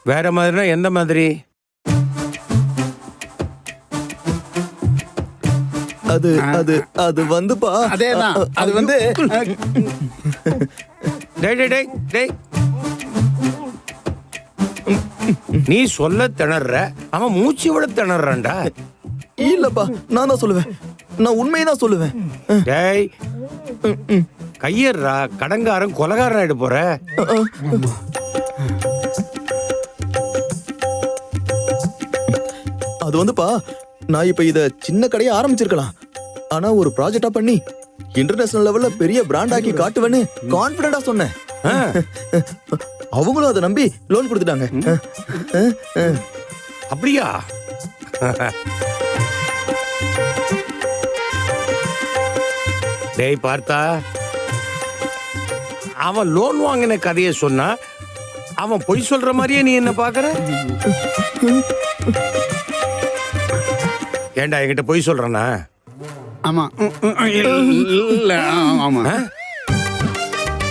வேற மாதிரினா எந்த மாதிரி? அது அது அது வந்துப்பா. அதேதான். அது வந்து டேய் டேய் டேய் டேய், நீ சொல்ல திணற, அவன் மூச்சு விட திணறான்டா. இல்லப்பா, நான் தான் சொல்லுவேன். நான் உண்மையை தான் சொல்லுவேன். டேய் கையறா, கடங்காரன் கொலகாரன் ஆயிட போற. அது வந்துப்பா, நான் இப்ப இத சின்ன கடையை ஆரம்பிச்சிருக்கலாம். ஆனா ஒரு ப்ராஜெக்டா பண்ணி இன்டர்நேஷனல் லெவல்ல பெரிய பிராண்ட் ஆக்கி காட்டுவேன்னு கான்பிடண்டா சொன்னேன். அவங்களும் அதை நம்பி லோன் கொடுத்துட்டாங்க. அப்படியா? டேய் பார்த்தா, அவன் லோன் வாங்கின கதையை சொன்னா அவன் பொய் சொல்ற மாதிரியே நீ என்ன பாக்குற? ஏண்டா என்கிட்ட பொய் சொல்றானா? ஆமா. இல்ல, ஆமா.